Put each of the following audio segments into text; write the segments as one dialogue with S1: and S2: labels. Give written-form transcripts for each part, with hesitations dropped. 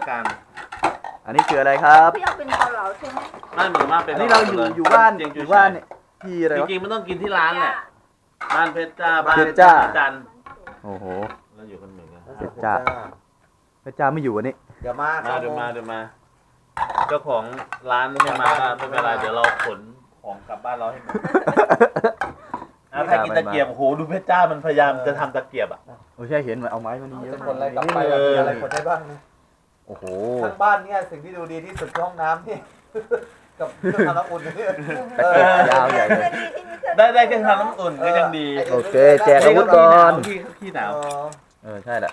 S1: กัน
S2: อันนี้คืออะไรครับ
S3: พี่เอาเป็นเกาเหลาใช่ไหม
S1: นั่นเหมือนมากเป็น
S2: อันนี้เราอยู่บ้านอยู่บ้านเนี่ยที่อะไร
S1: จ
S2: วะ
S1: ริงๆมันต้องกินที่ร้านแหละบ้านเพชรจ้าบ้าน
S2: เพชรจ้า
S1: จันทร์
S2: โอ้โห
S1: เราอยู่กันเหมือนกัน
S2: เพชรจ้า พระเจ้าไม่อยู่วันนี้
S4: เดี๋ยวมา
S1: เดี๋ยวมาเจ้าของร้านไม่มาก็ไม่เป็นไรเดี๋ยวเราขนของกลับบ้านเราให้หมดถ้ากินตะเกียบโอ้โหดูเพชรจ้ามันพยายามจะทำตะเกียบอ่ะ
S2: โอ้ใช่เห็นมันเอาไม้มานี่เยอะ
S4: จะ
S2: มา
S4: คนอะไร
S2: ก
S4: กลับไปมีอะไรคนได้บ้างนะ
S2: โอ้โห
S4: ทั้งบ้านเนี่ยสิ่งที่ดูดีที่สุดคือห้องน้ำนี่ กับเครื่องทำน้ำอุ่นนี่
S2: ตะเกียบยาวใหญ่เลย
S1: ได้แค่ทำน้ำอุ่นก็ยังดี
S2: โอเคแจกอาวุธก่อน
S1: ขี้หนาว
S2: ใช่แหละ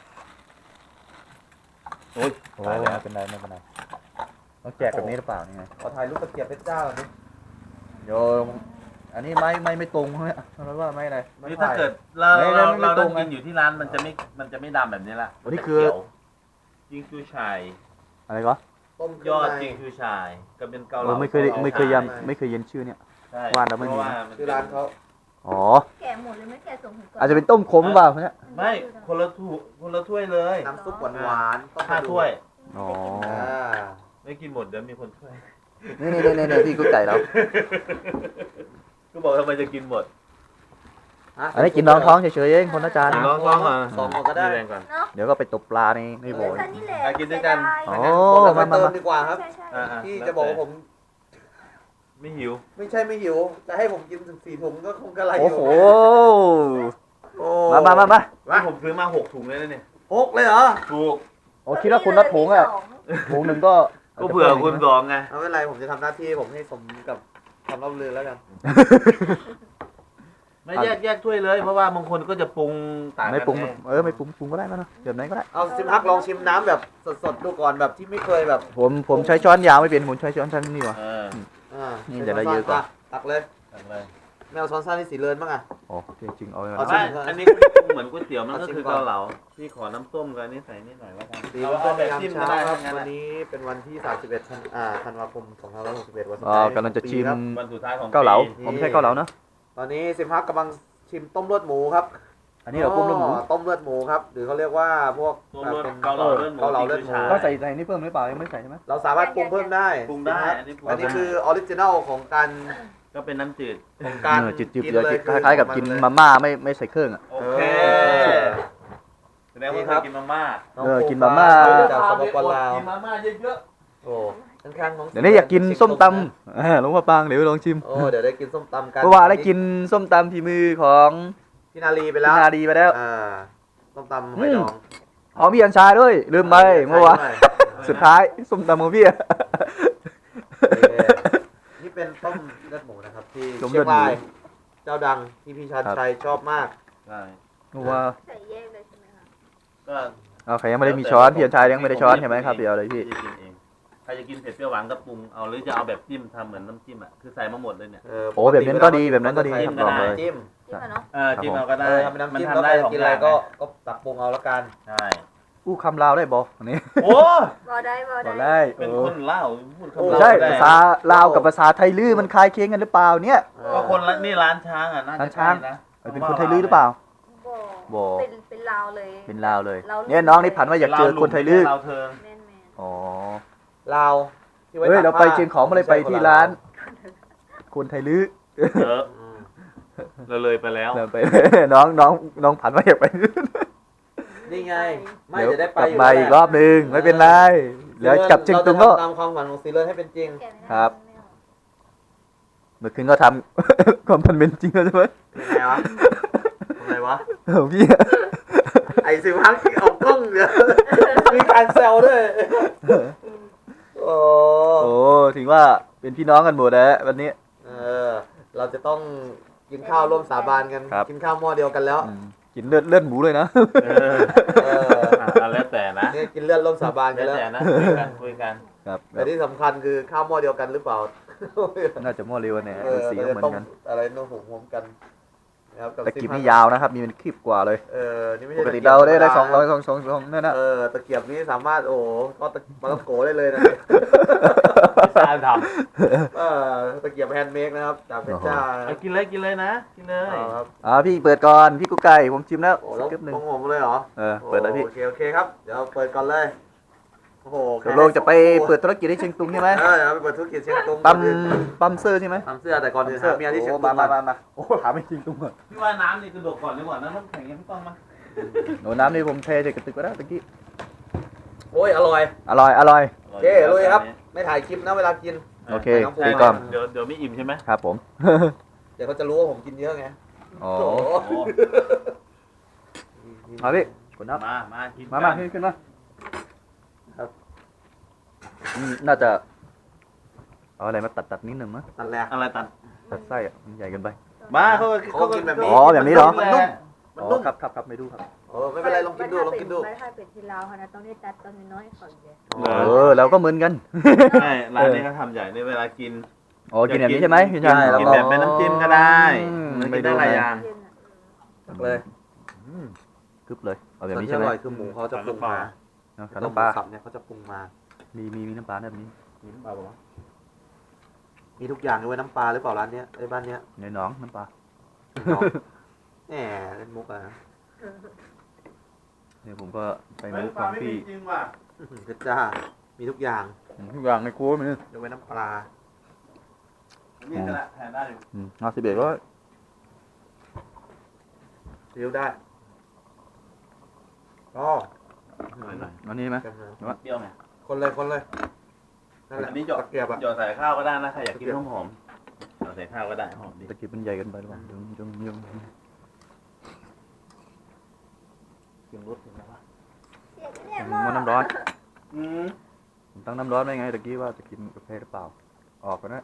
S1: โอ้ย
S2: โอ้ไม่เป็นไรต้องแจกแบบนี้หรือเปล่านี่ไง
S4: ขอถ่ายรูปตะเกียบเพชรเจ้าหน่อยดิ
S2: โยมอันนี้ไม่ตรงใช่ไหมเราว่าไม่อะไร
S1: นี่ถ้าเกิดเรา
S2: ไม่
S1: เรา
S2: ตร
S1: ต้อง งกินอยู่ที่ร้านมันจะไม่ดำแบบนี้ละ
S2: อันนี้คือ
S1: จิงคือชาย
S2: อะไรก็
S4: ต้ม
S1: ยอดจิงคือชายก็เป็นเกาเหลา
S2: ไม่เคยยันชื่อเนี่ย
S1: ใช่
S2: วาดแล้วไม่มี
S1: เพระ
S4: คือร้านเขา
S2: อ๋อ
S3: แกะหมดเลยไม่แกะส่งถึงก่อน
S2: อาจจะเป็นต้มขมหรือเปล่าเนี่ย
S1: ไม่คนละถ้วยเลย
S4: น้ำซุปหวานๆต้ม
S1: 5 ถ้วย
S2: อ๋อ
S1: ไม่กินหมดเดี๋ยวมีคนช่วย
S2: นี่พี่กุ๊กไก่เรา
S1: ก็บอกทำไมจะกินหมด
S2: อันนี้กินน้องท้องเฉยๆเองคนละจาน
S1: ลองอ่ะ
S4: สองคนก็ได้
S1: แรงก่อน
S3: เนาะ
S2: เดี๋ยวก็ไปตบปลาในบ่อ
S3: เออนี่แหละ
S1: ไปกินด้วยกัน
S2: โอ้
S4: ผมจะ
S2: มา
S4: เติมดีกว่าครับ
S3: ใช่ใช่
S1: อ่า
S4: ที่จะบอกว่าผม
S1: ไม่หิว
S4: ไม่ใช่ไม่หิวจะให้ผมกินถึง4 ถุงก็คงกระไรอ
S2: โอ้
S4: ยู่
S2: โห
S4: โอ้
S2: มา
S1: นี่ผมซื้อมา6 ถุงเลยนะเนี่ย
S4: 6เลยเหรอ
S1: ถูก
S2: โอ้คิดว่าคุณนัดถุงอ่ะถุงหนึ่งก็
S1: ก็เผื่อคุณ2ไง
S4: ไม่เป็นไรผมจะทำหน้าที่ผมให้สมกับคำรับลือแล้วกัน
S1: ไม่แยกถ้วยเลยเพราะว่าบางคนก็จะปรุงต่างกัน
S2: ไม่ปรุง
S1: ไ
S2: ไม่ปรุงก็ได้นะแบบไหนก็ได้
S4: เอาซิมฮักลองชิมน้ำแบบสดๆดูก่อนแบบที่ไม่เคยแบบ
S2: ผมใช้ช้อนยาวไม่เป็นผมใช้ช้อนสั้นนี่หว่า
S1: เออ
S2: นี่เดี๋ยวเราเยอะกว่า
S4: ตักเลย
S1: ตักเลย
S4: แมวช้อนสั้นที่สีเลินบ้างอ่ะ
S2: อ๋อจริงเอา
S4: เอา
S1: ไม่
S4: ชิม
S1: อันนี้เหมือนก๋วยเตี๋ยวมันก็คือเกาเหลาพี่ขอน้ำส้มกับอันนี้ใส่นิดหน่อยแล้วกัน
S4: ดีว่า
S1: เอา
S4: เป็
S1: แบ
S4: น
S1: บจิ้ม
S4: ยาม
S1: ก็
S4: เช้า
S1: ได้
S4: ครับ
S1: ทั้งนั้น
S4: วันนี้เป็นวันที่ธันวาคม2561วันสุด
S2: อ๋อ
S4: ท้าย
S2: กำลังจะชิม
S1: วันสุดท้ายของ
S2: เกาเหลา
S1: ปี
S2: ผมใช้เกาเหลานะ
S4: ตอนนี้ซิมฮักกำลังชิมต้มเลือดหมูครับ
S2: อันนี้เราปรุงเรื่องหมู
S4: ต้มเลือดหมูครับหรือเขาเรียกว่าพวก
S1: ต้มเลือด
S4: เป็น
S1: เกาเหลาเลือดหมู
S4: เกาเหลาเลือดหมู
S2: ก็ใส่นี่เพิ่มหรือเปล่ายังไม่ใส่ใช่ไหม
S4: เราสามารถปรุงเพิ่มได้
S1: ปรุงได้อันนี้ปรุง
S4: อันนี้
S1: ได้
S4: คือออริจินัลของการ
S1: ก็เป็นน้ำจืด
S2: จืดๆเดี๋ยวคล้ายๆกับกินมาม่าไม่ใส่เครื่องอ่ะ
S1: โอเคแสดงว่าเคยกินมาม่า
S2: กินมาม่า
S4: จากสปปลาว
S1: กินมาม่าเยอะ
S4: โอ้ข้างๆน้อง
S2: เดี๋ยวนี้อยากกินส้มตำหลวงพ่อปางเดี๋ยวลองชิม
S4: โอ้เดี๋ยวได้กินส้มตำกัน
S2: เพราะว่าได้กินส้มตำฝีมือของ
S4: พี่นาลีไป
S2: พี่
S4: แล้ว
S2: นาดีไปแล้ว
S4: ส้มตำหอยดอง
S2: หอมพี่อัญชาด้วยลืมไปเมื่อวานสุดท้ายส้มตำของพี่
S4: นี่เป็นต้มเลือดหมูนะครับที่
S2: ต้มเลื
S4: เชี
S2: อย ดหมู
S4: งรายเจ้าดังที่พี่ชันชัยชอบมาก
S1: ๆใช่
S2: เมื่อวาน
S3: ใส่แยกเลยใช่ไหมคะ
S1: ก็
S2: เอาใครยังไม่ได้มีช้อนพี่อัญชายังไม่ได้ช้อนใช่ไหมครับเดี๋ยวเลยพี่
S1: กินเองใครจะกินเผ็ดเปรี้ยวหวานก็ปรุงเอาหรือจะเอาแบบจิ้มทำเหมือนน้ำจิ้มอ่ะคือใส่มาหมดเลยเนี่ย
S2: โอ้แบบนั้นก็ดีแบบนั้นก็ดีครับลองเลย
S4: จิ้ม
S3: ที่มาเนาะ
S1: จิ้มเอาก็ได้
S4: ทำเป็นน้ำ
S1: มัน
S4: จิ้มแล้ว
S1: ทำได้
S4: ใคร
S1: สอง
S4: กิน
S1: อ
S4: อะไร
S1: ย่าง
S4: ก็ตักปรุงเอาแล้วกัน
S1: ใช่
S2: อู้คำลาวได้บอกอันนี้
S1: โอ้
S3: บอได้บอ
S2: บอก
S3: ได้
S2: ได้
S1: เป็นคนเล่าพูดคำ
S2: ไม่
S1: เล่า
S2: ใช่
S1: ได้
S2: ภาษาลาวกับภาษาไทยลื้อมันคล้ายเคียงกันหรือเปล่าเนี่ย
S1: ก็คนละนี่ร้านช้างอ่ะน่า
S2: ร้า
S1: จะ
S2: นช้าง
S1: ใช่นะ
S2: เป็นคนไทยลื้อหรือเปล่า
S3: บอเป็นลาวเลย
S2: เป็นลาวเลย
S3: ลาว
S2: เนี่ยน้องนี่ผันว่าอยากเจอคนไทยลื้อ
S1: เราเธอ
S3: แม่น
S2: อ๋อ
S4: ลาวที่ไว้
S2: เฮ้ย
S4: ตก
S2: เราไป
S4: ผ้
S2: เชียงของมาเลยไปที่ร้าน คนไทยลื้อ
S1: เออ
S4: อืม
S1: เราเลยไปแล้ว
S2: เราไป น้องผันว่าอยากไป
S4: นี่ไงไม่
S2: เดี๋ยว
S4: จะได้ไป
S2: กลับ
S4: อยู่
S2: มาอีกรอบนึงไม่เป็นไรเดี๋ยวกลับเชียงตุงก็
S4: เราจะทำตามความฝันของซีเลิศให้เป็นจริง
S3: แกะไม่ได้
S2: ครับ เมื่อคืนก็ทำ ความพันเป็นจริงแล้วใช่ไหม
S4: ยังไงวะทำไงวะ
S2: พี่
S4: ไอซิมฮักที่ออกกล้องเดี๋ยวมีการแซวด้วยโอ้
S2: โอ้ถึงว่าเป็นพี่น้องกันหมดแล้ววันนี้
S4: เราจะต้องกินข้าวร่วมสาบานกัน
S2: ครับ
S4: กินข้าวหม้อเดียวกันแล้ว
S2: กินเลือดหมูเลยนะ
S1: เออแล้วแต่นะ
S4: นี่กินเลือดร่วมสาบานกั
S1: แล้
S4: น
S1: ว
S4: แล้ว
S1: แต่นะคุยกัน
S2: ครับ
S4: แต่ที่สำคัญคือข้าวหม้อเดียวกันหรือเปล่า
S2: น่าจะหม้อเร็วเนี่ย
S4: เออ
S2: สี
S4: เรา
S2: ก็
S4: จะ
S2: เหมือ
S4: ต้ม
S2: นกัน
S4: อะไรนู่นหอมกันนะครับ
S2: แต่กิบนี่ยาวนะครับ มีเป็นคลิปกว่าเลย
S4: นี่ไม่
S2: ป
S4: ใช่
S2: กติเราได้สองนั่นนะ
S4: ตะเกียบนี้สามารถโอ้ก็มาต้องโกได้เลยนะ
S1: พิซซ่าท
S4: ตะเกียบแฮนด์เมดนะครับจากเพชรจ้า
S1: ำกินเลยนะกินเลย
S4: ครับ
S2: พี่เปิดก่อนพี่กุ๊กไก่ผมชิมแล้ว
S4: โอ้แล้ว
S2: คลิปหนึ่ง
S4: ของผมเลยเหรอ
S2: เปิดเลยพี่
S4: โอเคครับเดี๋ยวเปิดก่อนเลยโอ้โห
S2: ตกลงจะไปเปิดธุรกิจที่เชียงตุงใช่ไหม
S4: เอาไปเปิดธุรกิจเชียงตุง
S2: ปั๊มเสื้อใช่ไหม
S4: ทำเสื้อแต่ก่อนอื่นหาเมียที่เชียงตุง
S2: มาโอ้ถามไม่จริงตุงก่อน
S1: พี่ว่าน้ำนี่กระโดดก่อนดีกว่านะน้ำแข็งยังไม่ต้องมา
S2: โอ้น้ำนี่ผมเทใส่กระติกไว้แล้วตะกี้
S4: โอ้ยอร่อย
S2: อร่อย
S4: โอเคลุยครับไม่ถ่ายคลิปนะเวลากิน
S2: โอเค
S4: ใส่
S2: ตี
S4: น้ำ
S2: กล้อง
S1: เดี๋ยวไม่อิ่มใช่ไหม
S2: ครับผม
S4: เดี๋ยวเขาจะรู้ว่าผมกินเยอะไง
S2: อ๋อ
S4: โอ้โห
S1: โอ้
S2: มาพี่กดน้
S1: มากิน
S2: ำมาขึ้นมาครับน่าจะเอาอะไรมาตัดนิดหนึ่งมั้ย
S4: ตัดแรก
S1: อะไรตัด
S2: ตัดไส้อะมันใหญ่เกินไป
S1: บ้าเขา
S4: เขากินแบบนี้
S2: อ๋อแบบนี้เหรอ
S4: มันนุ่ม
S2: อ๋อครับไม่ดูครับ
S4: เออไม่เป็นไรลองกินดูลองกินดู
S3: ไม่ถ้าเป็นที่ลาวค่ะนะต้องได้ตัดตอนน้อยๆก่อนเดียว
S2: เราก็เหมือนกัน
S1: ใช่ร้านนี้เขาทำใหญ่ในเวลากิน
S2: อ๋อกินแบบนี้ใช่ไหมพี่ชาย
S1: กินแบบเป็นน้ำจิ้มก็ได้มันกินได้หลายอย่าง
S3: เย็นอ่ะ
S4: ตักเลย
S2: กึบเลยเอาแบบ
S4: ส่วน
S2: นี้
S4: ที่
S2: ใช่
S4: อ
S2: ไหม
S4: ร่อยคือหมูเขาจะปรุงมา
S2: ขาน้ำปลา
S4: สับเนี่ยเขาจะปรุงมา
S2: มีน้ำปลาแบบนี้
S4: มีน้ำปลาปะวะมีทุกอย่างด้วยน้ำปลาหรือเปล่าร้านเนี้ยไอ้บ้านเนี้ย
S2: ในหน้องน้ำปลา
S4: แหมเล่นมุกอะนะ
S2: เนี่ยผมก็ไปมุกของพี่
S1: จริงว่ะ
S4: เพชรจ้ามีทุกอย่าง
S2: ทุกอย่างในครัวมันนี่
S4: ยกเว้นน้ำปลา
S1: นี่ก็ได้แทนได้อยู่
S2: 51ก็
S4: ซิ้วได้อ๋อ
S1: หน่อย
S2: อันนี้ไหม
S1: ๆเปรี้ยวไง
S4: คนเลยนั่นแหละ
S1: อันนี้หยอด
S4: ตะเกียบอะ
S1: หยอดใส่ข้าวก็ได้นะใครอยากกินหอมๆหยอดใส่ข้าวก็ได้หอมดี
S2: ตะกี้มันใหญ่เกันไปหรือเปล่ายัง
S1: กินรสถึงไหมวะ
S2: มันน้ำร้อน
S1: อืม
S2: ผมตั้งน้ำร้อนไว้ไงตะกี้ว่าจะกินกาแฟหรือเปล่าออกกันนะ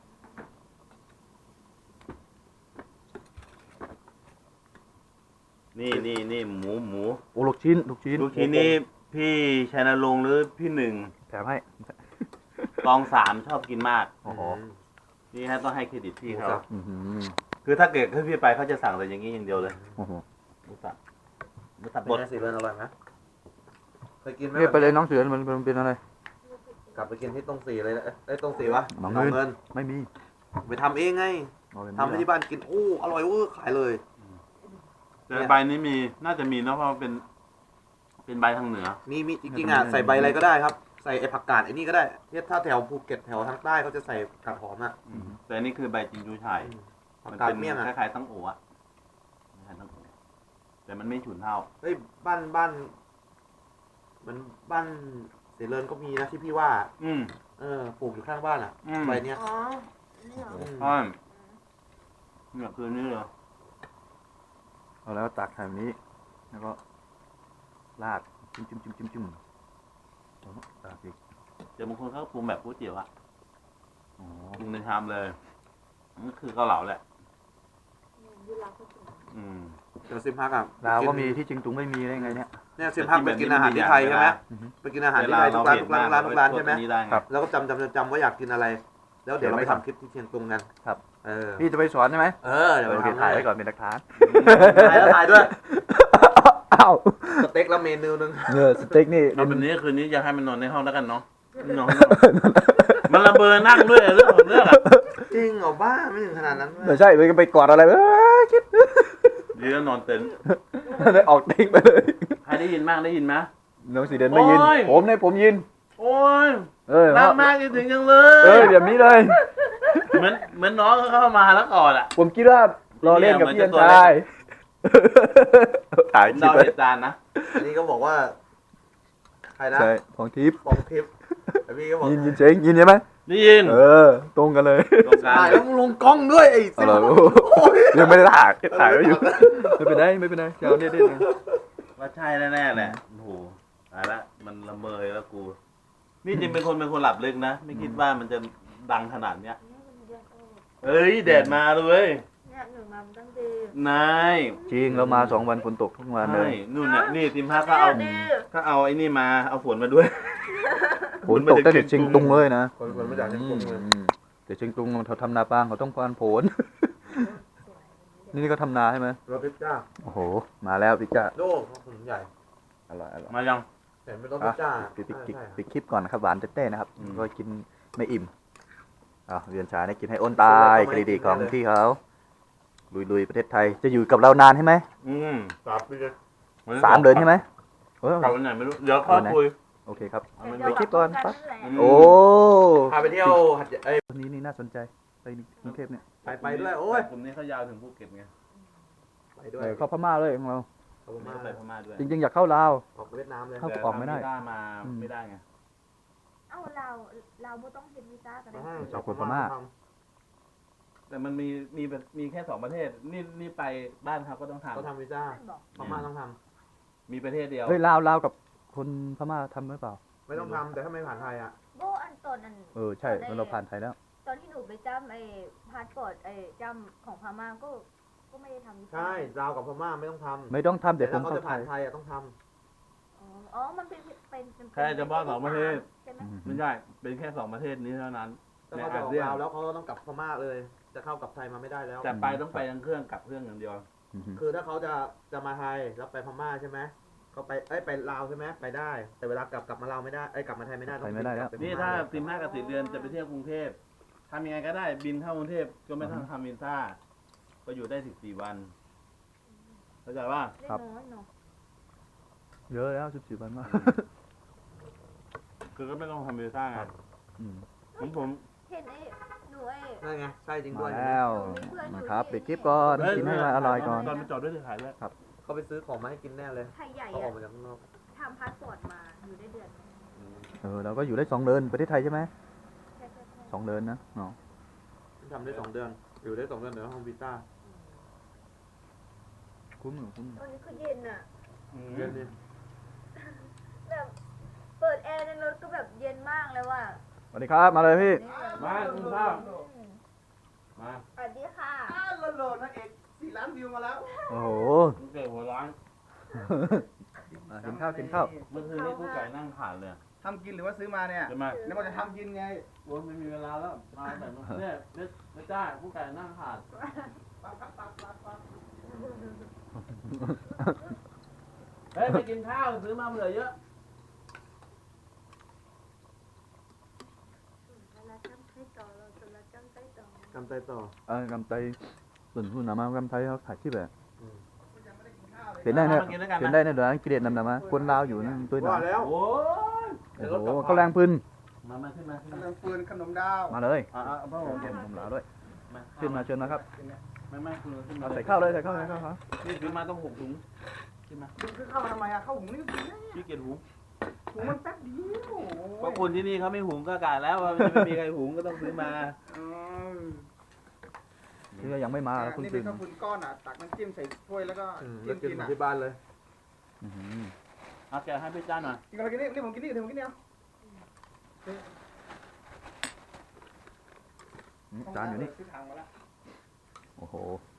S1: นี่หมู
S2: โอ้ลูกชิ้น
S1: ลูกชิ้นนี่พี่ชัยนรงค์หรือพี่หนึ่ง
S2: แถมให้
S1: กองสามชอบกินมาก
S2: โอ้โห
S1: นี่ฮะต้องให้เครดิตพี่เขา
S2: อื้อหือ
S1: คือถ้าเกิดพี่ไปเขาจะสั่งแต่อย่างนี้อย่างเดียวเลย
S2: โอ้โห
S1: หมูสับหมูสับ
S4: เป็น
S1: บด
S4: ไงสิเบิร์นอร่อยไหมเคยกินไหม
S2: เนี่ยไปเลยน้องเสือมันเป็นอะไร
S4: กลับไปกินที่ตรงสีเลยนะเอ้ยตรงสีวะ
S2: หนอง
S4: หนอง
S2: เงิ
S4: เงิ
S2: น
S4: น
S2: ไม่มี
S4: ไปทำเองไง
S2: เอาแบบ
S4: ทำให้ที่บ้านกินโอ้อร่อยเวอร์ขายเลย
S1: แต่ใบนี้มีน่าจะมีเนอะเพราะมันเป็นใบทางเหนือ
S4: มีจริงๆอ่ะใส่ใบอะไรก็ได้ครับ ใส่ไอ้ผักกาดไอ้นี่ก็ได้เนี่ยถ้าแถวภูเก็ตแถวทางใต้เขาจะใส่กาดหอมอ่ะ
S1: แต่อันนี่คือใบจินจูไฉ่
S4: ผัก
S1: มัน
S4: กาด
S1: เป็น
S4: เมี่ยง
S1: ค
S4: อ่ะ
S1: ล้ายๆตั้งโอ๋อะคล้ายๆตั้งโอ๋แต่มันไม่ฉุนเท่า
S4: เฮ้ยบ้านมันบ้านเสริญก็มีนะที่พี่ว่า
S1: อืม
S4: ปลูกอยู่ข้างบ้านอ่ะ
S1: อืม
S4: ใบเนี้ย
S3: อ๋อนี่เหรอ
S1: ใช่เนี่ยคือนี่เลย
S2: เอาแล้วตักแบบนี้แล้วก็ราดจิ้มราดอีก
S1: แต่บางคนเขาปรุงแบบก๋วยเตี๋ยวอะ
S2: อ๋อ
S1: ปรุงในชามเลยนั่นคือเกาเหลาแหละ
S3: ที่ลาวก็กิน
S1: อืม
S4: เดี๋ยวซิมพักอ่ะ
S2: ลาวก็มีที่จริงตุงไม่มีได้ไงเนี่ย
S4: เนี่ยซิมพักไปกินอาหารที่ไทยใช่ไหมไปกินอาหารที่ไทยทุกร้านทุกร้านใช่ไหม
S1: ครับ
S4: แล้วก็จำว่าอยากกินอะไร แล้วเดี๋ยวเราไปทำคลิปที่เชียงตุงกัน
S2: ครับ
S4: เออ
S2: พี่จะไปสอนใช่ไหม
S4: เดี๋ยว
S2: โอ
S4: ไป
S2: เค
S4: ทำ
S2: ถ่ายไว้ก่อนเป็นหลักฐาน
S4: ถ่ายแล้วถ่ายด้วย
S2: อ้าว
S4: สเต็กแล้วเมนูนึง
S2: สเต็กนี่
S1: เอาแบบนี้คืนนี้อยากให้มันนอนในห้องแล้วกันเนาะนอนมันระเบิดนั่งด้วยเรื่องของเรื่องอะ
S4: จริงเหรอบ้าไม่ถึงขนาดนั้น
S2: ไม่ใช่ไปกอดอะไรคิด
S1: ดีแล้วนอนเต็นท์
S2: ได้ออกเต็งไปเลย
S1: ใครได้ยินบ้างได้ยินไหม
S2: น้องสีเดนไม่ยิน
S1: โอ้ย
S2: ผมยิน
S1: โอ้ย
S2: รั
S1: รักมากจริงๆจังเลย
S2: แบบนี้เลย
S1: เหมือนน้องเขาเข้ามาแล้วก่อนอ่ะ
S2: ผมคิดว่ารอเล่นกับพี่ยันชาย ถ่ายคลิ
S1: เดา
S2: ปไว้
S1: เหตุการณ์นะ
S4: อันนี้ก็บอกว่าใครนะ
S2: ใช่ของทิพย์
S4: ปองทิพย์แต่พี่ก็บอก
S2: ยินเจ๊งยินใช่ไหม
S1: ได้ยิน
S2: ตรงกันเลย
S1: ตรงกลาง
S4: ถ่ายแล้วมึงลงกล้องด้วยไอ้
S2: เอาล่ะยังไม่ได้ถ่ายไว้อยู่ไม่เป็นไรเจ้าเนี่ยได้
S1: ว่าใช่แน่ๆแหละโอ้โหตายละมันละเมยแล้วกู นี่จริงเป็นคนหลับลึกนะ ไม่คิดว่ามันจะดังขนาดเนี้ย เอ้ยแดดมาเลย
S3: เนี่ยหนึ่งมามันต้องดี
S1: นาย
S2: จริงเรามา2 วันฝนตกทุกวันเล
S1: ใช่
S2: ย
S1: นู่นน่ะนี่ติมพาก็เอาไอ้นี่มาเอาฝนมาด้วย
S2: ฝนตกตั้งแต่เชียงตุงเลยนะ
S4: คนไม่จากเชียงตุงเลย
S2: แต่เชียงตุงเขาทำนาปางเขาต้องการผล นี่ก็ทำนาใช่ไหม
S4: รถพิซซ่า
S2: โอ้โหมาแล้วพี่จ้า
S4: โลกถนนใหญ่
S2: อร่อย
S1: มายัง
S4: เห็นเป็นรถพิซซ่า
S2: ปิดคลิปก่อนนะครับหวานเต้ๆนะครับ
S1: อืม
S2: ก็กินไม่อิ่มเรียนชาเนี่ยกินให้อ้นตายกระดีของพี่เขาลุยประเทศไทยจะอยู่กับเรานานใช่ไหม
S1: อืม
S4: 3 ปีเลย
S2: 3 เดือนใช่ไหม
S1: กลับวันไหนไม่รู้เดี๋ยวค่อยคุย
S2: โอเคครับ
S1: เอามัน
S3: เดี๋ยว
S2: ไปคลิปก่อน
S3: แบบ
S2: ปะ
S3: แหละ
S2: โอ้
S4: พาไปเที่ยวหัดใหญ่เอ้ย
S2: วันนี้นี่น่าสนใจไปกรุงเทพเนี่ย
S4: ไปด้วยโอ้ย
S1: กลุ่มนี้เขายาวถึงภูเก็ตไง
S4: ไปด้วย
S2: เข้าพม่าเลยของเรา
S4: เขา
S1: ผม
S4: มา
S1: ไปพม่าด้วย
S2: จริงๆอยากเข้าลาว
S4: ออกเวียดนามเลย
S2: เข้า
S1: แต่
S2: ออกไม่ได้
S1: ถ้ามาไม่ได้ไง
S3: เอ้าเราไม่ต้องเซ็นวีซ่ากัน
S4: มา
S3: ได้
S4: ให้
S2: ชาวคนพม่า
S1: แต่มันมีแค่2ประเทศนี่ไปบ้านเขาก็ต้องทำ
S4: เขาทำวีซ่า
S3: บอก
S4: พม่าต้องท
S1: มีประเทศเดียว
S2: เฮ้ยลาวกับคนพม่าทำหรือเปล่า
S4: ำไม่ต้องทำแต่ถ้าไม่ผ่านไทยอ่ะ
S3: โบอันตอนอัน
S2: ใช่เราผ่านไทยแล้ว
S3: ตอนที่หนูไปจำไอ้พาสปอร์ตไอ้จำของพม่าก็ไม่ได้ทำวีซ่า
S4: ใช่ลาวกับพม่าไม่ต้องทำ
S2: ไม่ต้องทำ
S4: แต่
S2: แต่ผ
S4: ถ้าม เขา
S2: เข้า
S4: จะ
S2: ไท
S4: ผ่าน
S2: ย
S4: ไทยอ่ะต้องท
S3: อ๋อมันเป็น
S1: แค่เฉพาะ2ประเทศ
S3: ใช่ไหม
S1: ไม่ใช่เป็นแค่2ประเทศนี้เท่านั้น
S4: ำแต่เขาจะออกลาวแล้วเขาต้องกลับพม่าเลย จะเข้ากลับไทยมาไม่ได้แล้ว
S1: แต่ไปต้องไปทางเครื่องกลับเครื่องอย่างเดียว
S4: คือถ้าเขาจะมาไทยแล้วไปพม่าใช่ไหมเขาไปลาวใช่ไหมไปได้ แต่เวลากลับมาลาวไม่ได้กลับมาไทยไม่ได้ต้อง
S2: ไทยไม่ได้แล้ว
S4: กบป
S1: นี่
S4: พม่
S1: ถ้า
S4: เลย
S1: 15 กับ 10 เดือนจะไปเที่ยวกรุงเทพทำยังไงก็ได้บินเข้ากรุงเทพก็ไม่ต้องทำวีซ่าก็อยู่ได้14 วันเข้าใจว่า
S3: ได้น้อยเนาะ
S2: เยอะแล้ว14 วันมาก
S1: คือก็ไม่ต้องทำวีซ่าไง
S2: อืม
S1: ผม
S3: เห็นไอ้หนูไอ้
S4: นั่นไงใช่จริงด้
S2: มา
S4: วย
S2: แล้วนะครับปิดคลิปก่อนกินให้มันอร่อยก่อน
S1: ตอนไปจอดด้วยถ่ายด้วย
S4: เขาไปซื้อของมาให้กินแน่เลย
S3: ไทยใหญ่
S4: เขาออก
S3: อะ
S4: มาจากข้างนอก
S3: ทำพาสปอร์ตมาอยู่ได้เดือนนึง
S2: เราก็อยู่ได้2 เดือนประเทศไทยใช่ไหม
S3: ใช่
S2: 2 เดือนนะเนาะ
S4: ทำได้2 เดือน อยู่ได้2 เดือนเดี๋ยวทำวีซ่า
S2: คุ้ม
S3: ตอนนี้คือเย็นอะ
S4: เดือนนี้
S3: แบบเปิดแอร์ในรถก็แบบเย็นมากเลยว่ะ
S2: สวัสดีครับมาเลยพี่
S1: มาคุณข้าวมา
S3: สวัสดีค่ะ
S4: โลนักเอก4 ล้านวิวมาแล้ว
S2: โอ้โห
S1: คุณเก๋หัวร้าน
S2: กินข้าว
S1: เมื่อคืนนี้กูไก่นั่งผ่านเลย
S5: ทำกินหรือว่าซื้อมาเนี่ย
S1: จะมา
S5: แล้วมันจะทำกินไง
S1: โอ้ไม่มีเวลาแล้วมาแต่เนี่ยไม่จ้ากูไก่นั่งผ่านเฮ้ยไปกินข้าวซื้อมาเหลือเยอะ
S4: กำไตต่อ
S2: กำไตส่วนคุณนำมากำไตเขาถ่ายคลิปแบบ
S4: อืม
S2: เห็นได้เนี่ย
S1: มากินด้วยกัน
S2: เห็น
S1: นะ
S2: ได้เนี่ยเดี๋ยวกิเลสนำมาคนลาวอยู่นั่นตัวหนา
S4: ว่าแล้ว
S1: โอ้ย
S2: โอ้โหเขาแรงพื้น
S1: มาขึ้นมาขึ้น
S5: ข
S1: มาน
S5: มปืนขนมดาว
S2: มาเลย
S1: พ่อผม
S2: เก็บผมลาวด้วย
S1: มา
S2: ขึ้นมาเชิญนะครับ
S1: ไม่คุณขึ้นมา
S2: เอาใส่ข้าวเลยครับ
S1: นี่ซื้อมาต้อง6 ถุงขึ้นมา
S5: คือเข้ามาทำไมอะเข้าหุงนี่
S1: พี่เกียรหุง
S5: หุงมันแป๊บเดียว
S1: เพราะคนที่นี่เขาไม่หุงก็กาแล้วว่าจะไม่มีใครหุงก็ต้องซื้อมา
S5: อืม
S2: ที่ยังไม่มาแล้วคุณ
S5: นี่
S2: ตื่
S5: เป็น นข้าวปุ้นก้อนอ่ะ ตักน้ำจิ้มใส่ถ้วยแล้วก็
S4: แล้
S5: จิ้
S4: ว
S5: ม
S4: กิน
S5: กิน
S4: เหมือ
S5: อ่ะ
S4: นที่บ้านเลย
S1: เอาแกะให้พี่จ้าหน่อย
S5: กินอะไรกินนี่ผมกินนี่เดี๋ยวผมกินเนี่ย
S2: จานอยู่นี่
S5: ซื้อถังมาแล้ว
S2: โอ้โห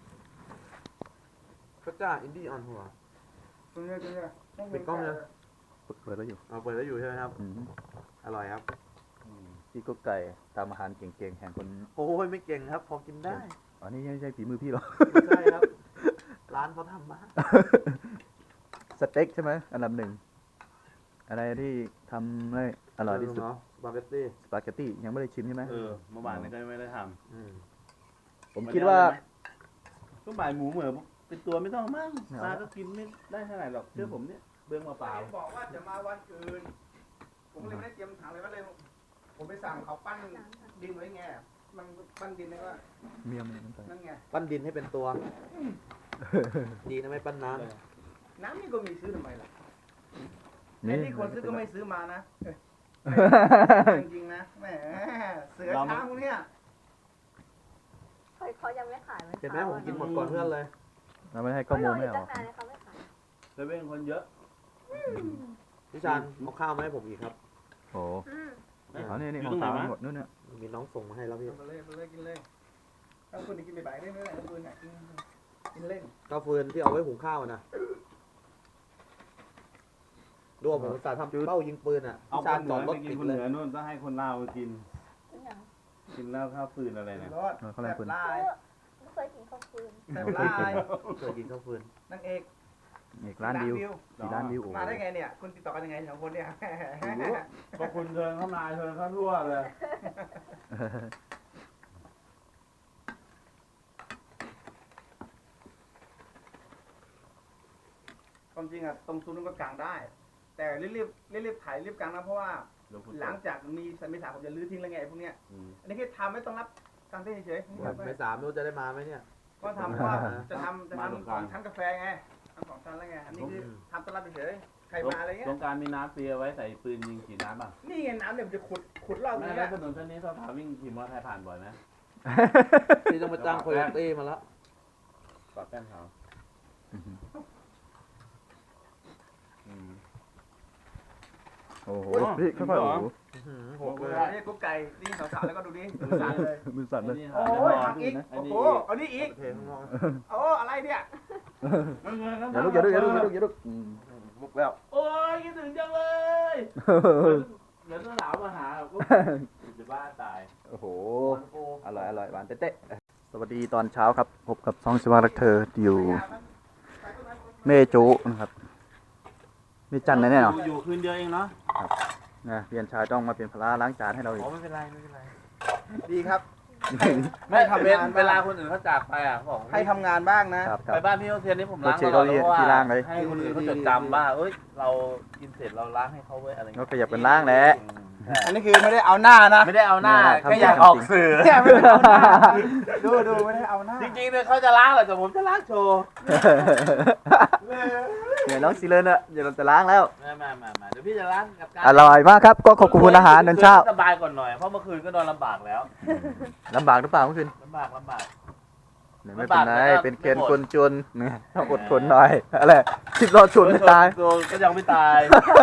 S4: พระเจ้าอินดี้ออนหัว
S5: ซื้อเนี่ย
S4: ปิดกล้องเลย
S2: เปิดแล้วอยู่
S4: เอาเปิดแล้วอยู่ใช่ไหมครับ อร่อยครับ
S2: พี่ก็ไก่ตามอาหารเก่งๆแห่งคน
S4: โอ้ยไม่เก่งครับ พอกินได้
S2: อันนี้ไม่ใช่ฝีมือพี่หรอก
S4: ไม่ใช่ครับ ร้านเขาทำมา
S2: สเต็กใช่ไหมอันดับ 1อะไรที่ทำได้อร่อยที่สุด
S4: เนาะสปาเกตตี้
S2: สปาเกตตี้ยังไม่ได้ชิมใช่ไหม
S1: เมื่อวานนี้ก็ไม่ได้ท
S4: อืม
S2: ผม
S1: ำ
S2: คิดว่า
S1: ก็บ่ายหมูเหมือนเป็นตัวไม่ต้องมั่งปลาก็กินไม่ได้เท่าไหร่หรอกเชื่อผมเนี่ยเบื้องมาเปล่า
S5: บอกว่าจะมาวันอื่น ผมเลยไม่ได้เตรียมถังเลยว่าเลย ผมไปสั่งเขาปั้นดินไว้ไง มันปั้นดินเลยว่า
S2: เมียมันใส่
S5: นั่นไง
S4: ปั้นดินให้เป็นตัว ดีนะไม่ปั้นน้
S5: น้ำนี่ก็มีซื้อทำไมล่ะไอ้
S2: นี่
S5: ที่คนซื้อก็ไม่ซื้อมานะจริงๆนะแหมเสือช้างพวกเนี้ย
S3: เขายังไม่ขาย
S4: ำเห็นไหมผมกินหมดก่อนเพื่อนเลย
S2: เราไม่ให้ข้อมูลไม่
S3: ตั้
S2: เอา
S3: งนานเลยเขาไม่ขาย
S1: เซเว่นคนเยอะ
S4: พี่ชานเอาข้าวมาให้ผมอีกครับ
S2: โอ้โห
S3: อืม
S2: เอานี่ของสาวหมดนู่นเนี่ย
S4: มีน้องส่งมาให้แล้วพี่
S5: ไปเลยกินเลยถ้าคุณกินบ่ายๆได้ไม่ได้ถ้าคุณอยากกินเล่น
S4: ข้าวฟืนที่เอาไว้หุงข้าวนะดูว่าผมอุตส่าห์ทำเป้ายิงปืนอ่ะ
S1: เอา
S4: พี่
S1: ค
S4: ชาน
S1: นเห
S4: จ
S1: นื
S4: อ
S1: อ
S4: ดร
S1: ไป
S4: ถ
S1: กิ
S4: ติ
S1: น
S4: ด
S1: คน
S4: เล
S1: เห
S4: ย
S1: นือนู่นต้องให้คนลาวกิน
S3: เป็นอย่าง
S1: กินแล้วข้าวฟืนอะไรเนี่ย
S5: รถ
S2: เขาแรงปืน
S5: ลาย
S3: ไม่เคยกินข้าวฟืน
S5: แซ่บลาย
S4: เคยกินข้าวฟืน
S5: นางเอก
S2: อีกร้านวิว4 ล้านวิวโอ้โห
S5: มาได้ไงเนี่ย คุณติดต่อกันยังไงสองคนเนี่ย
S1: พอคุณเชิญเข้ามาเชิญเข้าทั่วเลย
S5: ความจริงอะตรงซูนย์ก็กลางได้แต่รีบถ่ายรีบกลางนะเพราะว่า หลังจากมีเมษาผมจะลื้อทิ้งแล้วไงพวกเนี้ยอันนี้แค่ทำไม่ต้องรับกางเต้นเฉยๆ
S4: ไม่สามรู้จะได้มาไหมเนี่ย
S5: ก็ทำว่าจะทำของชั้นกาแฟไงทำของชั้นแล้วไงอันนี้คือทำต้อนรับเฉยๆใครมาอะไรเงี้ย
S1: สงการมีน้ำเปียไว้ใส่ปืนยิงฉีดน้ำป่ะ
S5: นี่ไงน้ำเนี่ยมันจะขุดรอบ
S1: แม่
S5: นี้
S1: แล้วถนนเส้นนี้สาวๆวิ่งขี่มอเตอร์ไซค์ผ่านบ่อยไหม
S4: ที่ต้องมาจ้างโคโยตี้มาแล้ว
S1: ปรับแป้งขาว
S2: โอ้โหพี่ค่อยๆโอ้โห
S5: หกเลยนี่กุ๊กไก่นี่สาวๆแล้วก็ดูดิดูสั่นเลย
S2: มือสั่นเลย
S5: โอ้ยหักอีกโอ้โหเอานี่อีก
S4: เทข้างนอก
S5: โอ้อะไรเนี่ย
S2: อย่าลุกลุกแล้ว
S1: โอ้ยคิดถึงจังเลยเดี๋ยวต้องหลาวมาหาก็จะบ้าตาย
S2: โอ้โหอร่อยหวานเต๊ะๆสวัสดีตอนเช้าครับพบกับซองสิวารักเธออยู่เมจุนะครับมีจันทร์นะเนี่ยเนาะ
S1: อยู่คืนเดียวเองเนาะ
S2: นะเพียนชายต้องมาเป็นภาระล้างจานให้เราอีก
S1: ไม่เป็นไร
S5: ดีครับ
S1: ไม่ทำเวลาคนอื่นเขาจากไปอ่ะบอก
S5: ให้ทำงานบ้างนะครับ
S2: ครั
S1: ไป
S2: บ
S1: บ้านพี่โอเทียนนี่ผมล้าง
S2: โอเค
S1: ตลอด
S2: เขา
S1: เพราะว่า
S2: ที่ล้างเลย
S1: ให้คนอื่นเขาจดจำว่าเอ้ยเรากินเสร็จเราล้างให้เขาไว้อะไร
S2: ก็ขยับกันล้างแหละ
S5: อันนี้คือไม่ได้เอาหน้านะ
S1: ไม่ได้เอาหน้า
S2: ทำ
S1: แค่อยากออกสื่อ
S5: เนี่ยไม่ได้เอาหน้าดูไม่ได้เอาหน้า
S1: จริงๆเนี่ยเขาจะล้างแหละแต่ผมจะล้างโชว์
S2: เนี่ยน้องซีเลนอะเดี๋ยวเราจะล้างแล้ว
S1: มาเดี๋ยวพี่จะล้างกับการ
S2: อร่อยมากครับก็ขอบคุณอาหารตอนเช้า
S1: สบายก่อนหน่อยเพราะเมื่อคืนก็นอนลำบากแล้ว
S2: ลำบากหรือเปล่าเมื่อคืน
S1: ลำบาก
S2: ไม่เป็นไร
S1: ลำบากแต่ก็
S2: เป็นเคน
S1: ไม่หมด
S2: คนจนเนี่ยต้องอดทนหน่อยอะไรคิดรอชนไม่ตาย
S1: ตัวก็ยังไม่ตาย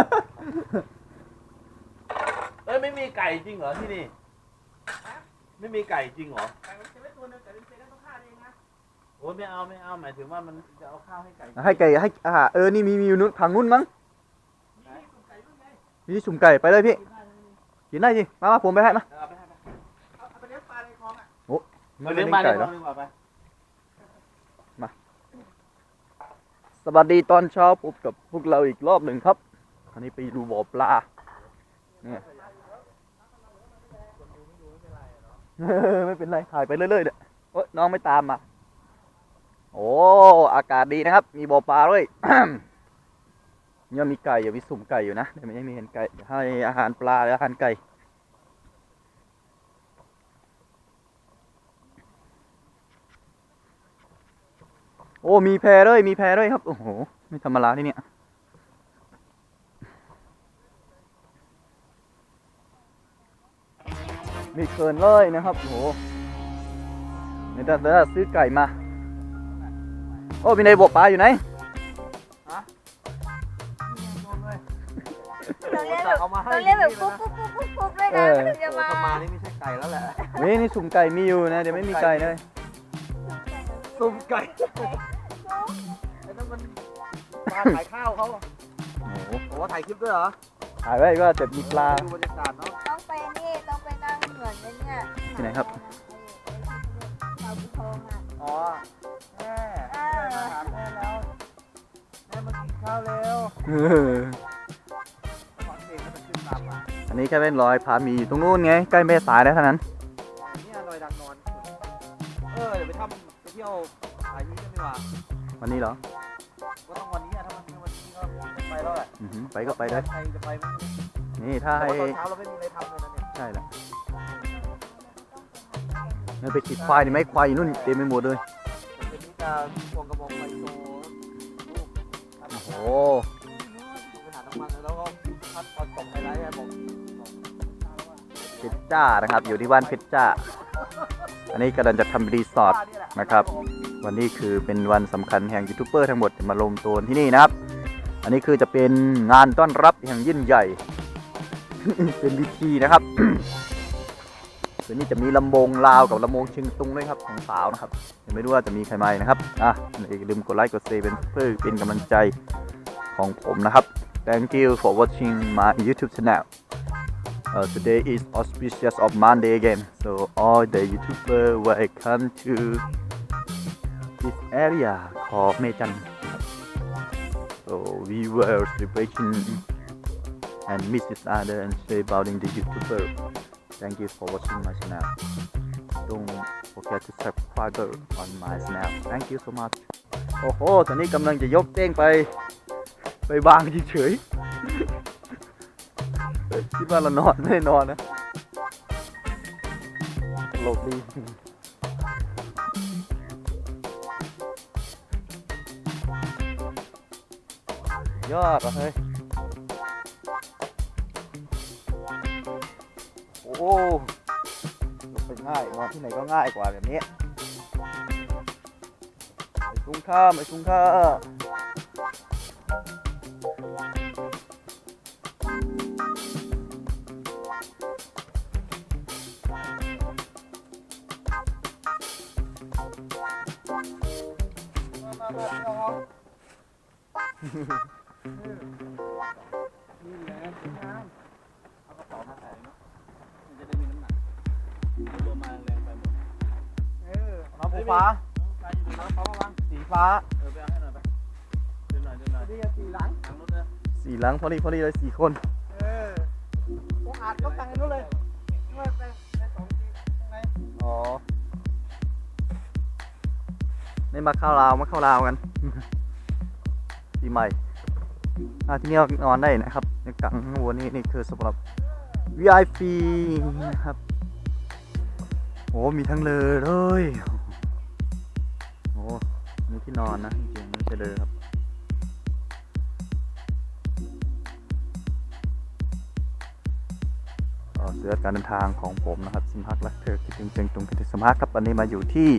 S1: เอ้ยไม่มีไก่จริงเหรอที่นี่ไม่มีไก่จริงเหรอ
S5: จะไม่ตัวนึงแต่เป็นเซนต้องฆ่าเองนะ
S1: โอ้ยไม่เอาหมายถึงว่ามันจะเอาข้าวให้ไก่
S2: ให้ไก่ให้อาหารนี่มีอยู่นู้นทางนู้นมั้งมีที่สุ่มไก่ไปเลยพี่กินได้สิมาผมไปให้มา
S1: เอาไปให้
S5: เอาไปเลี้ยงปลาในคลองอ่ะ
S1: เลี้ยงปลา
S2: ไก่
S1: ได้
S2: แล้ว
S1: ดีกว่าไป
S2: สวัสดีตอนเช้าพบกับพวกเราอีกรอบหนึ่งครับอันนี้ไปดูบ่อปลาเนี่ยไม่เป็นไรถ่ายไปเรื่อยๆเนี่ยโอ๊ยน้องไม่ตามมาโอ้อากาศดีนะครับ มีบ่อปลาด้วย เนี่ยมีไก่อยู่มีสุ่มไก่อยู่นะแต่ไม่มีเห็นไก่ให้อาหารปลาและอาหารไก่โอ้มีแพด้วยครับโอ้โหไม่ธรรมดาที่เนี่ยมีเคินเลยนะครับโอ้โหเดี๋ยวซื้อไก่มาโอ้มีในบ่อปลาอยู่ไหน
S3: ต้องเรียกแบบปุ๊บด้วยนะถึงจะมา
S4: ถ้ามานี่ไม่ใช่ไก่แล้วแหละ
S2: นี่สุ่มไก่มีอยู่นะเดี๋ยวไม่มีไก่เลย
S5: ตุ่มไก่
S4: ไอ้นั่นมันปลาขายข้าวเขา
S2: โอ้โห
S4: โอ้ถ่ายคลิปด้วยเหรอ
S2: ถ่ายไว้ก็จะมีปลา
S4: ดูบรรยากาศเนาะ
S3: ต้องไปนี่ต้องไปนั่งเหมือนเนี่ย
S2: ที่ไหนครับ
S3: เราบุทองอ่ะ
S4: อ๋อแม่มาหาแม่แล้วแม่มากินข้าวเร็วขอเสียงก็จะขึ้นตามมา
S2: อันนี้แค่เป็นรอยผาหมีอยู่ตรงนู้นไงใกล้แม่สายแล้วเท่านั้น
S4: เนี่ยดอยดังนอนเดี๋ยวไปเที่ยวสายนี้กันดีกว่า
S2: วันนี้เหรอ
S4: ก็ต้องวันนี้อะถ้ามันวันนี้ก็ไปแล้วแหละ
S2: อือหือไปก็ไปได้
S4: ใครจะไปไหม
S2: นี่ถ้า
S4: แต่
S2: ให้
S4: ว่าตอนเช้าเราไม่มีอะไรทำเลยนะเนี่ย
S2: ใช่แหละไม่ไปติดควายนี่ไหมควายอยู่นู่นเต็มไปหมดเลย
S4: เดี๋ยวนี้จะควงกระบอกไฟโซลูก
S2: โอ้โห
S4: ไปหาน้ำมันแล้วก็พัดตอนตกไฮไลท์บอก
S2: เพชรจ้านะครับอยู่ที่บ้านเพชรจ้าอันนี้กำลังจะทำรีสอร์ทนะครับ วันนี้คือเป็นวันสำคัญแห่งยูทูบเบอร์ทั้งหมดจะมารวมตัวที่นี่นะครับ อันนี้คือจะเป็นงานต้อนรับอย่างยิ่งใหญ่ เป็นพิธีนะครับ คืนนี้จะมีลำวงลาวกับลำวงเชียงตุงด้วยครับของสาวนะครับยังไม่รู้ว่าจะมีใครมาอีกนะครับอย่าลืมกดไลค์กดแชร์เพื่อเป็นกำลังใจของผมนะครับ Thank you for watching my YouTube channel. Today is auspicious of Monday again, so all the YouTubers welcome to this area called Mejan. So we were celebrating and meet each other and say about the YouTuber. Thank you for watching my channel. Don't forget to subscribe on my channel. Thank you so much. โอ้โห ตอนนี้กำลังจะยกเต้งไปวางเฉยๆคิดว่าเรานอนไม่ได้นอนนะตลกดียอดอ่ะเฮ้ยโอ้ลงไปง่ายนอนที่ไหนก็ง่ายกว่าแบบนี้ไอ้คุ้มค่าไอ้คุ้มค่า
S5: นี่แหละน้
S1: เอากระเป๋ามาใส่เนาะมันจะได้มีน้ำหนักตัวมาแรงไปหมด
S5: ำ
S2: น้ำฟ้า
S1: ใครอยู่ในน้ำเขามาวาง
S2: สีฟ้า
S1: ไปเอาให้หน่อยไปเดินหน่อยเดินหน่อย
S5: ดีสี่หลัง
S1: ทางนู้นนะ
S2: สี่หลังพอดีเลย4 คน
S5: ผมอาจต้องตังค์นู้นเลยไม่ไปสองทีข้างใน
S2: อ๋อไม่มาเข้าราวกัน ปีใหม่ที่นี่นอนได้นะครับในกลางหัวนี่คือสำหรับ VIP นะครับโอ้มีทั้งเลยโอ้มีที่นอนนะจริงๆไม่ใช่เลยครับเสือการเดินทางของผมนะครับสิมฮักรักเธอคิดถึงเชียงตุงคิดถึงสมฮักครับวันนี้มาอยู่ที่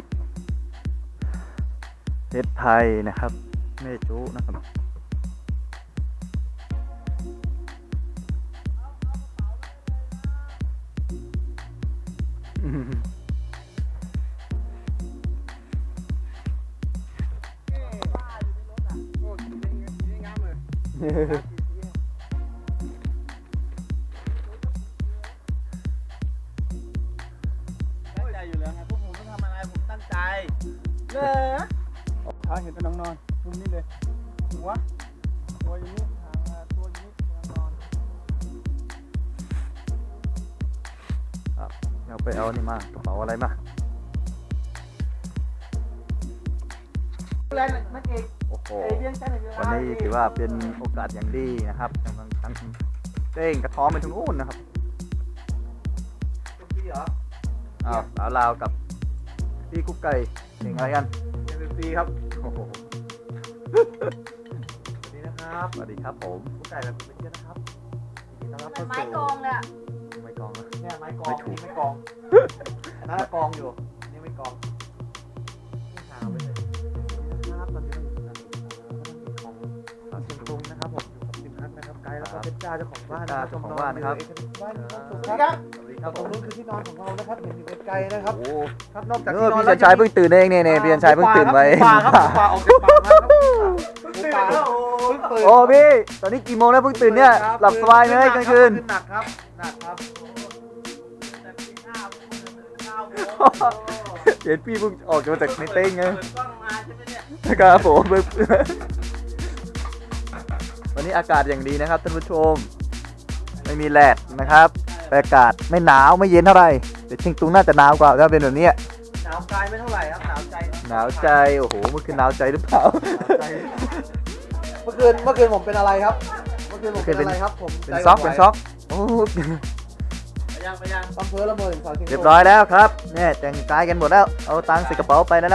S2: ประเทศไทยนะครับเมจูนะครับ
S1: ตั้งใจอยู่แล้วไงพวกผมไม่ทำอะไรผมตั้งใจ
S5: เลยขาเห็นแต่น้องนอนมุมนี้เลยหัวตัวอย่างนี้หางตัวอย่างนี้น้องนอน
S2: เอาไปเอานี่มากระเป๋าอะไรมา
S5: แรงนักเอก
S2: โอ้โห
S5: เอเลี่ยนใช่ไหม
S2: วันนี้ถือว่าเป็นโอกาสอย่างดีนะครับกำลังทั้งเต้งกระท้อมไปถึงนู่นนะครับ
S4: เป็นปีเหรอ
S2: อ้าวสาวลาวกับพี่กุ๊กไก่เก่งอะไรกัน
S4: เป็นปีครับ
S2: โอ้โห
S4: สวัสดีนะครับ
S2: สวัสดีครับผม
S4: ผู้ไก่แบบเป็นเยอะนะครับยินดีต้อนรับ
S3: มัน
S4: เข้า
S3: ไม้
S4: สู่
S3: กองเลยอะ
S2: ไม่กองนะ
S4: เนี่ยไม้กอ
S2: ไม่
S4: ง
S2: ถูก
S4: นี่ไม่กองอันนั้นกองอยู่นี่ไม่กองนี่หาไปเลยนะครับตอนนี้เราอยู่ของเชียงตุงนะครับผมอยู่กับสิมฮักนะครับไกด์แล้วก็เป็นจ้าเจ้าของบ้านนะครับ
S2: เจ้าของบ้านนะครับ
S4: บ้านครับ
S5: สวัสดีครับ
S2: สวัสดีค
S4: ค
S2: รั
S4: รั
S2: บบ ผ
S4: ตรง
S2: ม
S4: นู้นคือที่นอนของเรานะครับเห็นอยู่ไกลๆนะครับ
S2: โอ้
S4: ครับนอกจาก
S2: เอ
S4: ที่
S2: อน
S4: อน
S2: พี่
S4: แล้ว
S2: ชันชายเพิ่งตื่นเองเนี่ยพี่ชันชายเพิ่งตื่นไว้
S4: ป่าครับป่าออกจากป่ามาครับป่าเพิ่งตื่น
S2: โอ้พี่ตอนนี้กี่โมงแล้วเพิ่งตื่นเนี่ยหลับสบายไหมกลางคืน
S4: หนักครับหนักครับ
S2: เห็นพี่เพิ่งออกมาจากในเต้งไง
S1: เปิดกล้องมาใช่ไหมเนี่ย
S2: นะครับผมวันนี้อากาศอย่างดีนะครับท่านผู้ชมไม่มีแดดนะครับอากาศไม่หนาวไม่เย็นเท่าไหร่แต่เชียงตุงน่าจะหนาวกว่าถ้าเป็นแบบนี้
S4: หนาวกายไม่เท่าไหร่ครับหนาวใจ
S2: หนาวใจโอ้โหเมื่อคืนหนาวใจหรือเปล่า
S4: เมื่อคืนผมเป็นอะไรครับเมื่อคืนผมเป็นอะไรครับผม
S2: เป็นซ็อกเป็นซ็อกโอ้
S1: ไปยัง
S4: อำเภอละเมอถึงสาวเชียง
S2: เรียบร้อยแล้วครับเนี่ยแต่งกายกันหมดแล้วเอาตังค์ใส่กระเป๋าไปแล้ว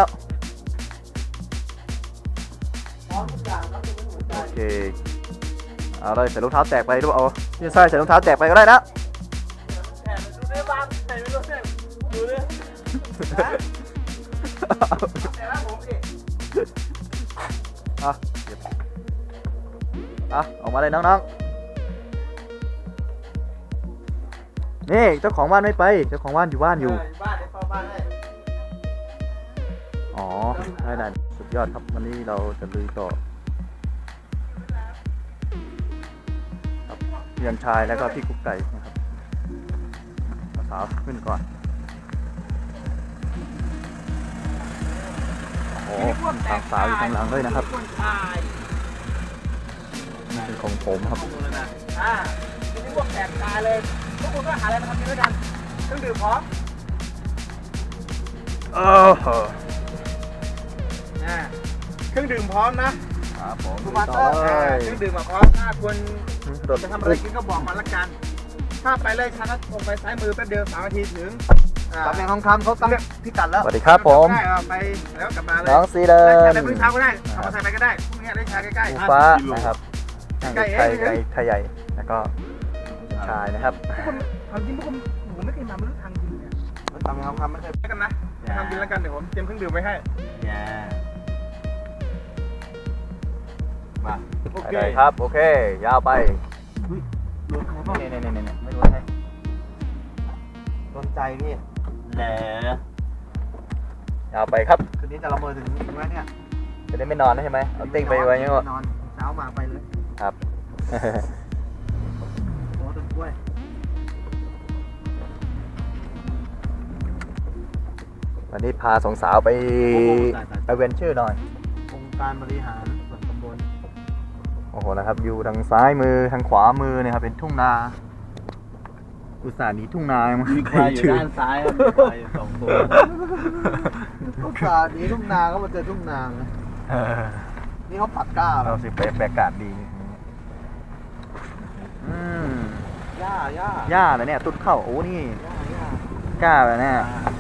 S4: พร้อมทุกอย่างครับเป็นหัวใจ
S2: โอเคเอาเลยใส่รองเท้าแตกไปด้วยเอาพี่ชายใส่รองเท้าแตกไปก็ได้นะ
S1: แอบดูได้บ้างใส่ไม่รู้เนี่ยดูดิแต่ละผมเอง
S2: อ่ะออกมาเลยน้องๆนี่เจ้าของบ้านไม่ไปเจ้าของบ้านอยู่บ้านอยู่
S1: บ้านเดี๋ยวเข้าบ้านให้
S2: อ๋อได้สุดยอดครับวันนี้เราจะลุยต่อครับเพียงชายแล้วก็พี่กุ๊กไก่นะครับสาวขึ้นก่อนโอ้โหมีทางสาวอยู่ข้างหลังด้วยนะครับ
S1: คนชาย
S2: นี่เป็นของผมครับ
S1: ดูแล้วนะ
S5: ทีนี้พวกแตกตาเลยพวกคุณก็หาอะไรมาทำกินด้วยกันเครื่องดื่มพร้อม เครื่องดื่มพร้อมนะครับ
S2: ผม
S5: ทุกวัน
S2: ต่อเลย
S5: เครื่องดื่มมาพร้อมถ้าคน
S2: รถ
S5: จะทำอะไรกินก็บอกมาละกัน ถ้าไปเลยชาร์จตรงไปซ้ายมือแป๊บเดียว3 นาทีถึง
S4: ตำแหน่งทองคำเขาตั้งพิกัดแล้ว
S2: สวัสดีครับผม
S5: ได้ไปแล้วกลับมาเลย
S2: น้องซีเดิ
S5: ได้ชา
S2: น
S5: ในพื้นเช้าก็ได้เอามาใส่ไปก็ได้พรุ่งนี้ได้ชาใกล้
S2: ภู
S5: ๆ
S2: ฟ้านะครับช่าง
S5: ใกล้
S2: เด็ก
S5: เอง
S2: ไทยใหญ่ แล้วก็ชายนะครับ
S5: ทำจริงพวกผมไม่เคยมาไม่รู้ทางจริงเนี่ย
S4: ตำแหน่งทองคำไม่เคย
S5: ไปกันนะทำจริงแล้วกันเดี๋ยวผมเตรียมเครื่องดื่มไว้ให้
S1: อย่ามาโอเค
S2: ได้ครับ โอเค ยาวไป
S1: รถใครบ้าง
S2: นี่ไม่รู้ให้
S4: โดนใจพี่
S1: แหน
S2: ยาวไปครับ
S4: คืนนี้จะละเมอถึงไหมเนี่ย
S2: จะได้ไม่นอนนะใช่ไหมเอาติ้งไปไว้ยังไง
S4: นอนเช้ามาไปเลย
S2: ครับ
S4: โอ้ต้นกล้วย
S2: วันนี้พาสองสาวไปเวนเจอร์หน่อย
S4: องค์การบริหารส่วนตำบล
S2: โอ้โหนะครับ อยู่ทางซ้ายมือทางขวามือเนี่ยครับเป็นทุ่งนา อุตส่าห์หนีทุ่งนามา
S1: มีควายอยู่ด้านซ้ายครับมีควายอยู่2 ตัว
S4: ทุ่งนานี้ทุ่งนาก็มาเจอทุ่งนานะ
S2: เออ
S4: นี่เขาปัดกล้าแล้
S2: เรา
S4: ว
S2: สิไปอากาศดีอืม
S4: หญ้า
S2: หญ้าเหรอเนี่ยตุ้นเข้าโอ้นี่
S4: หญ้า
S2: กล้าแบบเนี่ย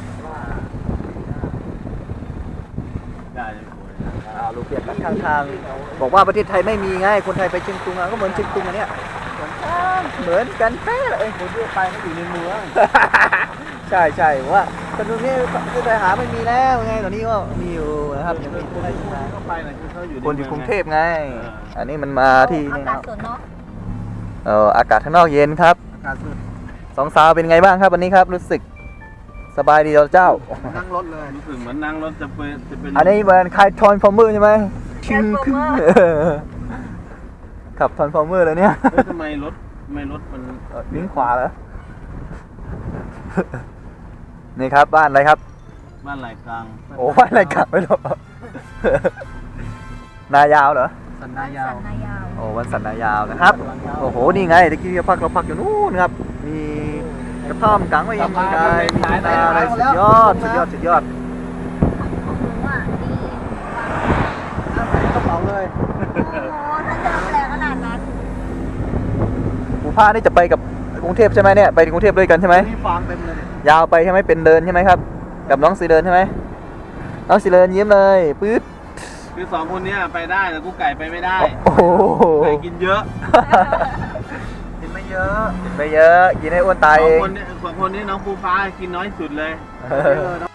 S1: ได้เลยคุย
S2: ลูกเปียกกันข้างทางบอกว่าประเทศไทยไม่มีไงคนไทยไปเชียงตุงอะก็เหมือนเชียงตุงอันเนี้ยเหมือนกันเป๊ะเลย
S4: คนที่ไปไม่อยู่ในเมือง
S2: ใช่ว่าแต่ตรงนี้คือไปหาไม่มีแล้วไงตอนนี้ก็มีอยู่นะครับยังมีคนอยู่นะ
S1: เข้าไปหน่อยคือเขาอยู่ใน
S2: คนอยู่กรุงเทพไง อันนี้มันมาที่
S3: อา
S2: นี่
S3: กาศ
S2: นะ
S3: สวนเนาะ
S2: อากาศข้างนอกเย็นครับ
S4: อากาศสุด
S2: สองสาวเป็นไงบ้างครับวันนี้ครับรู้สึกสบายดีเจ้า
S4: นั่งรถเลย
S1: รู้สึกเหมือนนั่งรถจะเป็น
S2: อันนี้เหมือนคายทรอนฟอร์เมอร์ใช่ไหมชิงขึ้นขับทรอนฟอร์เมอร์เลยเนี่ย
S1: เฮ้ยทำไมรถมัน
S2: วิ่งขวาเหรอ นี่ครับบ้านอะไรครับ
S1: บ้านไหลกลาง
S2: โอ้บ้านอะไรกลับไม่รู้ นายาวเหรอ
S4: สันนายาว
S3: สันนายาว
S2: โอ้วันสันนายาวนะครับ โอ้โห นี่ไงตะกี้เราพักอยู่นู่นครับ มีกระท่อมกลางไว้ยังไงมีนาอะไรสุดยอด
S3: หนูอ่ะดี
S4: กระเป๋าเลย
S3: โอ้โหถ้าเจอแรงขนาดนั้น
S2: ภูพานี่จะไปกับกรุงเทพใช่ไหมเนี่ย ไปกรุงเทพด้วยกันใช่ไหม
S4: นี่ฟางเต็มเลยเนี่ย
S2: ยาวไปใช่ไหมเป็นเดินใช่ไหมครับ กับน้องสีเดินใช่ไหมน้องสีเดินยิ้มเลยปื๊ด
S1: คือ2 คนเนี้ยไปได้แต่กูไก่ไปไม่ได้
S2: โอ้โห
S1: ไก่กินเยอะ
S4: กินไม่เยอะ
S2: กินไปเยอะ กินให้อ้วนตาย
S1: สอ
S2: เอง ง
S1: คนนี้น้องภูฟ้ากินน้อยสุดเลย
S4: น้อง